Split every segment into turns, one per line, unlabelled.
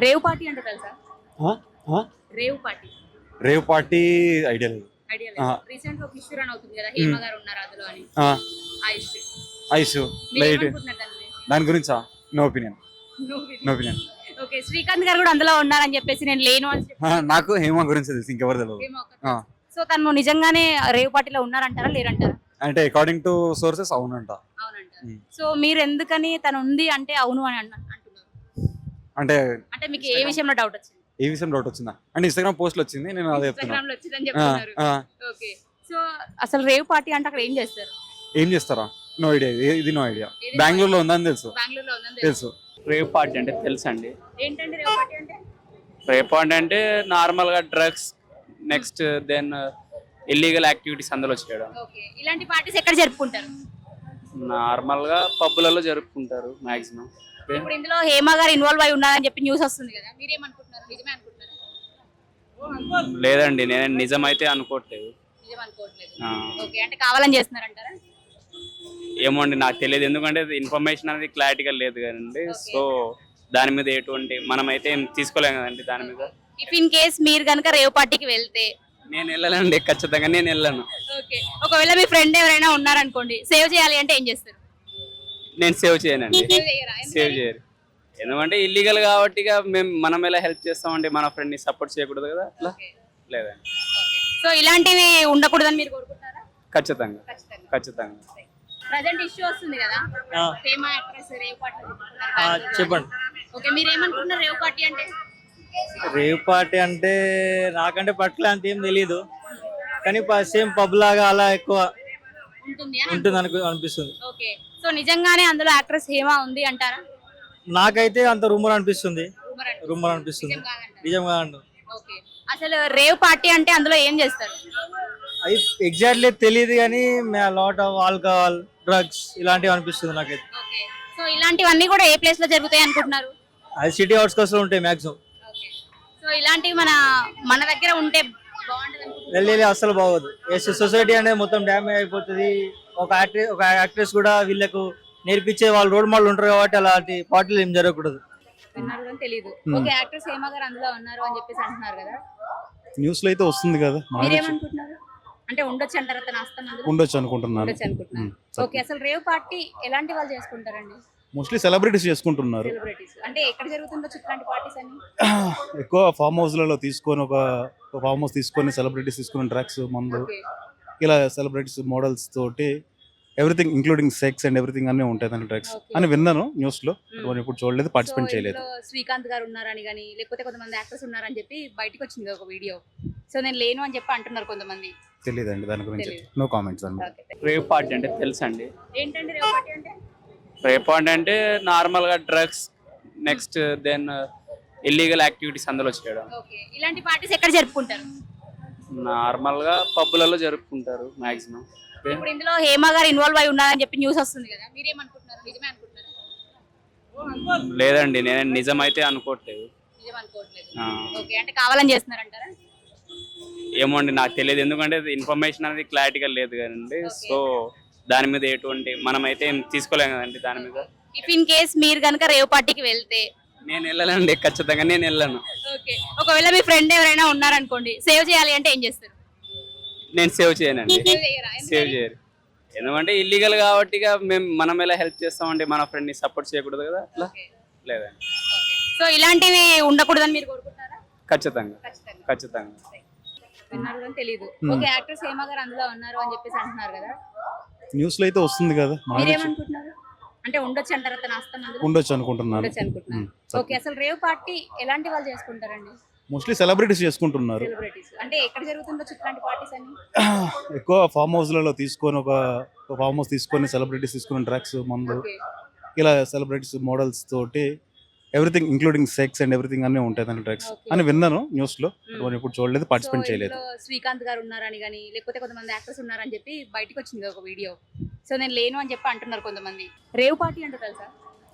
Rave party అంటే తెలుసా?
ఆ? ఆ?
Rave party
rave party idea లేదు.
ఐడియా
ఆ.
లేదు. రీసెంట్ గా ఒక ఇష్యూ రన్ అవుతుంది కదా, హేమ గారు ఉన్నారు అందులో అని.
ఆ,
ఆ ఇష్యూ
ఐసు
మీరు
లైట్
ఏమనుకుంటున్నారు దాని గురించి?
దాని గురించా? No opinion. No opinion.
Okay, Srikanth గారు కూడా అందులో ఉన్నారని చెప్పేసి నేను లేను అని చెప్పి
నాకు హేమ గురించి తెలుసు, ఇంకెవరు తెలియదు.
హేమ ఒక్కతే.
ఆ,
సో తను నిజంగానే రేవ్ పార్టీలో ఉన్నారంటారా లేరంటారా?
అంటే అకార్డింగ్ టు సోర్సెస్ అవునంట.
అవునంటారు.
ఉమ్.
సో మీరు ఎందుకని తను ఉంది అంటే అవును అని అంటున్నారు?
అంటే
అంటే మీకు ఏ విషయంలో డౌట్ వచ్చింది?
ఏ విషయం డౌట్ వచ్చిందా అంటే ఇన్స్టాగ్రామ్ పోస్ట్లు వచ్చింది, నేను అదే చెప్తున్నా.
ఇన్స్టాగ్రామ్ లో వచ్చిందని చెప్తున్నారు.
ఆ,
ఓకే, సో అసలు రేవ్ పార్టీ అంటే అక్కడ ఏం చేస్తారు?
ఏం చేస్తారా? నో ఐడియా, ఇది నో ఐడియా.
ఇది
బెంగళూరులో ఉందని తెలుసు.
బెంగళూరులో ఉందని
తెలుసు.
రేవ్ పార్టీ అంటే తెలుసండి.
ఏంటంటే రేవ్ పార్టీ అంటే?
రేవ్ పార్టీ అంటే నార్మల్గా drugs, next then illegal activities అందులో చేయడం.
ఓకే, ఇలాంటి పార్టీస్ ఎక్కడ జరుపుకుంటారు?
నార్మల్గా పబ్బులలో జరుపుకుంటారు మాక్సిమం.
ఇప్పుడు ఇందులో హేమ గారు ఇన్వాల్వ్ అయి ఉన్నారని చెప్పి న్యూస్ వస్తుంది కదా, మీరేమనుకుంటున్నారు? నిజమే అనుకుంటున్నారా?
లేదండి, నేను నిజమైతే అనుకోవట్లేదు.
నిజం అనుకోవట్లేదు.
ఆ.
ఓకే, అంటే కావాలని చేస్తున్నారంటారా?
ఏమో అండి, నాకు తెలియదు, ఎందుకంటే ఇన్ఫర్మేషన్ అనేది క్లారిటీగా లేదు కదండి. సో దాని మీద ఎటువంటి మనమైతే ఏం తీసుకోలేం కదండి దాని మీద.
ఇఫ్ ఇన్ కేస్ మీరు కనుక రేవ్ పార్టీకి వెళ్తే,
నేను వెళ్ళానండి, ఖచ్చితంగా నేను వెళ్ళాను.
ఓకే, ఒకవేళ మీ ఫ్రెండ్ ఎవరైనా ఉన్నారనుకోండి, సేవ్ చేయాలి అంటే ఏం చేస్తారు?
నేను సేవ్ చేయనండి.
సేవ్ చేయరా?
సేవ్ చేయరు, ఎందుకంటే ఇల్లీగల్ కాబట్టి ఇక మనం ఎలా హెల్ప్ చేస్తామండి, మన ఫ్రెండ్ ని సపోర్ట్ చేయకూడదు కదా అట్లా. లేదండి,
సో ఇలాంటివి ఉండకూడదని మీరు కోరుకుంటున్నారా?
ఖచ్చితంగా
ఖచ్చితంగా.
ఖచ్చితంగా.
ప్రజెంట్ ఇష్యూ వస్తుంది కదా, ఫేమ యాక్ట్రెస్ రేవ్ పార్టీ
చెప్పండి.
ఓకే, మీరు ఏమనుకుంటున్నారు రేవ్ పార్టీ అంటే?
రేవ్ పార్టీ అంటే నాకంటే పట్ల అంత ఏం తెలీదు, కానీ సేమ్ పబ్ లాగా అలా ఎక్కువ
ఉంటుంది అని
ఉంటుంది అనిపిస్తుంది.
ఓకే, సో నిజంగానే అందులో యాక్ట్రెస్ హేమ ఉంది అంటారా?
నాకైతే అంత రూమర్ అనిపిస్తుంది.
Rumor అనిపిస్తుంది.
రూమర్ అనిపిస్తుంది,
నిజం కాదంటారా?
నిజంగా అంట.
ఓకే, అసలు రేవ్ పార్టీ అంటే అందులో ఏం చేస్తారు?
అది ఎగ్జాక్ట్లీ తెలియదు, కానీ లాట్ ఆఫ్ ఆల్కహాల్, డ్రగ్స్ ఇలాంటివి అనిపిస్తుంది నాకైతే.
ఓకే, సో ఇలాంటివన్నీ కూడా ఏ ప్లేస్ లో జరుగుతాయి అనుకుంటున్నారు?
అది సిటీ అవుట్స్కట్స్ లో ఉంటాయి మ్యాక్సిమం.
ఓకే, సో ఇలాంటివి మన దగ్గర ఉంటే బాగుంటది అనుకుంటున్నారు?
వెళ్ళి అస్సలు బాగోదు. సొసైటీ అనేది మొత్తం డ్యామేజ్ అయిపోతుంది. ఒక యాక్ట్రెస్ కూడా వీళ్ళకు నేర్పించే వాళ్ళు రోడ్ మోడల్ ఉంటారు కాబట్టి అలాంటి పార్టీలు ఏం జరగకూడదు.
విన్నారు కానీ తెలియదు. ఓకే, యాక్ట్రెస్ హేమ గారు అందులో ఉన్నారు అని చెప్పేసి అంటున్నారు కదా,
న్యూస్ లో అయితే వస్తుంది కదా,
మీరేమనుకుంటున్నారు? అంటే ఉండొచ్చు అంటారా తన హస్తం అందులో?
ఉండొచ్చు అనుకుంటున్నాను.
ఉండొచ్చు అనుకుంటున్నారు. ఓకే, అసలు రేవ్ పార్టీ ఎలాంటి వాళ్ళు చేసుకుంటారండి?
మోస్ట్లీ సెలబ్రిటీస్ చేసుకుంటున్నారు.
సెలబ్రిటీస్ అంటే ఎక్కడ జరుగుతుండొచ్చు ఇట్లాంటి పార్టీస్ అని?
ఎక్కువ ఫామ్ హౌస్లలో తీసుకొని ఒక ఫామ్ హౌస్ తీసుకొని సెలబ్రిటీస్ తీసుకుని డ్రగ్స్, మందు,
ఓకే,
ఇలా సెలబ్రిటీస్ మోడల్స్ తోటి everything including sex and everything అన్నీ ఉంటాయి దాని డ్రగ్స్
Okay.
అని విన్నాను న్యూస్ లో. ఇప్పుడు చూడలేదు,
సో
పార్టిసిపేట్ చేయలేదు.
ఇందులో శ్రీకాంత్ గారు ఉన్నారని కానీ లేకపోతే కొంతమంది యాక్టర్స్ ఉన్నారని చెప్పి బయటకు వచ్చింది ఒక వీడియో. సో నేను లేను అని చెప్పి అంటున్నారు కొంతమంది.
తెలియదండి దాని గురించి,
తెలీదు.
నో కామెంట్స్ అండి.
ఓకే,
రేవ్ పార్టీ అంటే తెలుసండి.
ఏంటంటే రేవ్ పార్టీ అంటే?
రేవ్ పార్టీ అంటే నార్మల్గా drugs, next then illegal activities అందులో చేయడం.
ఓకే, ఇలాంటి పార్టీస్ ఎక్కడ జరుపుకుంటారు?
నార్మల్గా పబ్బులలో జరుపుకుంటారు మాక్సిమం.
ఇప్పుడు ఇందులో హేమ గారు ఇన్వాల్వ్ అయి ఉన్నారని చెప్పి న్యూస్ వస్తుంది కదా, మీరేమనుకుంటున్నారు? నిజమే అనుకుంటున్నారా?
లేదండి, నేను నిజమైతే అనుకోవట్లేదు.
నిజం అనుకోవట్లేదు.
ఆ.
ఓకే, అంటే కావాలని చేస్తున్నారంటారా?
ఏమో అండి, నాకు తెలియదు, ఎందుకంటే ఇన్ఫర్మేషన్ అనేది క్లారిటీగా లేదు కదండి. సో దాని మీద ఎటువంటి మనమైతే ఏం తీసుకోలేం కదండి దాని మీద.
ఇఫ్ ఇన్ కేస్ మీరు కనుక రేవ్ పార్టీకి వెళ్తే,
నేను వెళ్ళానండి, ఖచ్చితంగా నేను వెళ్ళాను.
ఓకే, ఒకవేళ మీ ఫ్రెండ్ ఎవరైనా ఉన్నారనుకోండి, సేవ్ చేయాలి అంటే ఏం చేస్తారు?
నేను సేవ్ చేయనండి.
సేవ్ చేయరా?
సేవ్ చేయరు, ఎందుకంటే ఇల్లీగల్ కాబట్టి ఇక మనం ఎలా హెల్ప్ చేస్తామండి, మన ఫ్రెండ్ ని సపోర్ట్ చేయకూడదు కదా అట్లా.
ఓకే.
లేదండి,
సో ఇలాంటివి ఉండకూడదని మీరు కోరుకుంటారా?
ఖచ్చితంగా
ఖచ్చితంగా.
ఖచ్చితంగా.
విన్నారు కానీ తెలియదు. ఓకే, యాక్ట్రెస్ హేమ గారు అందులో ఉన్నారు అని చెప్పేసి అంటున్నారు కదా,
న్యూస్ లో అయితే వస్తుంది కదా,
మీరేమనుకుంటున్నారు? అంటే ఉండొచ్చు అంటారా తన హస్తం అందులో?
ఉండొచ్చు అనుకుంటున్నాను.
ఉండొచ్చు అనుకుంటున్నారు. ఓకే, అసలు రేవ్ పార్టీ ఎలాంటి వాళ్ళు చేసుకుంటారండి?
మోస్ట్లీ సెలబ్రిటీస్ చేసుకుంటున్నారు.
సెలబ్రిటీస్ అంటే ఎక్కడ జరుగుతుండొచ్చు ఇట్లాంటి పార్టీస్ అని?
ఎక్కువ ఫామ్ హౌస్లలో తీసుకొని ఒక ఫామ్ హౌస్ తీసుకొని సెలబ్రిటీస్ తీసుకుని డ్రగ్స్, మందు,
ఓకే,
ఇలా సెలబ్రిటీస్ మోడల్స్ తోటి everything including sex and everything అన్నీ ఉంటాయి దాని డ్రగ్స్
Okay.
అని విన్నాను న్యూస్ లో. ఇప్పుడు చూడలేదు, పార్టిసిపేట్
సో
చేయలేదు.
ఇందులో శ్రీకాంత్ గారు ఉన్నారని కానీ లేకపోతే కొంతమంది యాక్టర్స్ ఉన్నారని చెప్పి బయటకు వచ్చింది ఒక వీడియో. సో నేను లేను అని చెప్పి అంటున్నారు కొంతమంది. రేవ్ పార్టీ అంటే తెలుసా?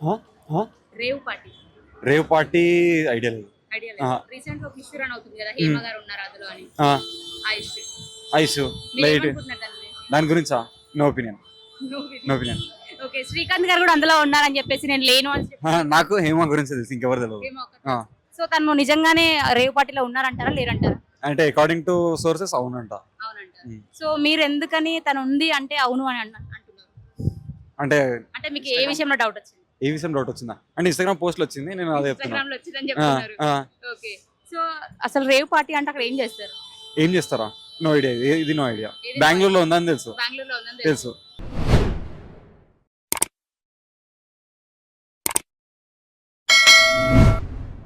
Rave party
rave party idea లేదు.
ఐడియా లేదు. రీసెంట్ గా ఒక ఇష్యూ రన్ అవుతుంది కదా, హేమ గారు ఉన్నారు అందులో అని. ఆ ఇష్యూ
ఐసు లైట్
మీరేమనుకుంటున్నారు దాని గురించి?
దాని గురించా? No opinion. No opinion.
Okay, Srikanth గారు కూడా అందులో ఉన్నారని చెప్పేసి నేను లేను అని చెప్పి
నాకు హేమ గురించి తెలుసు, ఇంకెవరు తెలియదు.
హేమ ఒక్కతే. సో తను నిజంగానే రేవ్ పార్టీలో ఉన్నారంటారా లేరంటారా?
అంటే అకార్డింగ్ టు సోర్సెస్ అవునంట.
అవునంటారు.
Hmm.
సో మీరు ఎందుకని తను ఉంది అంటే అవును అని అంటున్నారు?
అంటే
అంటే మీకు ఏ విషయంలో డౌట్ వచ్చింది?
ఏ విషయం డౌట్ వచ్చిందా అంటే ఇన్స్టాగ్రామ్ పోస్ట్ వచ్చింది, నేను అదే చెప్తున్నా.
ఇన్స్టాగ్రామ్ లో వచ్చిందని చెప్తున్నారు. ఓకే. సో అసలు రేవ్ పార్టీ అంటే అక్కడ ఏం చేస్తారు?
ఏం చేస్తారా? నో ఐడియా, ఇది నో ఐడియా.
ఏది
బెంగళూరులో ఉందని తెలుసు.
బెంగళూరులో ఉందని
తెలుసు.